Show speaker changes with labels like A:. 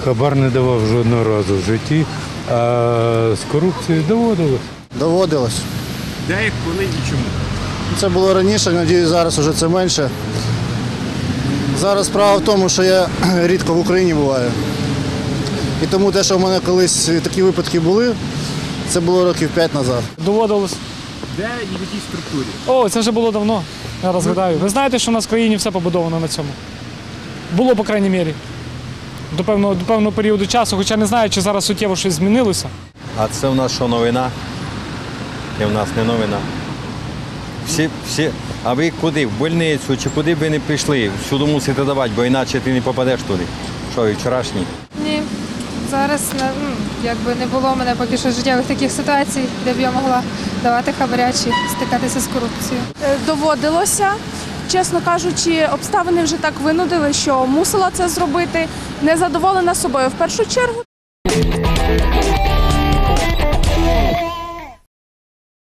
A: хабар не давав жодного разу в житті, а з корупцією доводилось.
B: Доводилось.
C: Де, як, коли і чому?
B: Це було раніше, надіюсь, зараз вже це менше. Зараз справа в тому, що я рідко в Україні буваю. І тому те, що в мене колись такі випадки були, це було років 5 назад.
D: Доводилось.
C: Де і в якій структурі?
D: О, це вже було давно, я розгадаю. Ви знаєте, що в нас в країні все побудовано на цьому? Було, по крайній мірі. До певного періоду часу, хоча не знаю, чи зараз суттєво щось змінилося.
E: А це в нас що, новина? Це в нас не новина. Всі, а ви куди? В больницю чи куди б ви не пішли? Всюди мусите давати, бо іначе ти не попадеш туди. Що, і вчорашній?
F: Ні, зараз якби не було в мене поки що життєвих таких ситуацій, де б я могла давати хабаря чи стикатися з корупцією.
G: Доводилося. Чесно кажучи, обставини вже так винудили, що мусила це зробити. Незадоволена собою в першу чергу.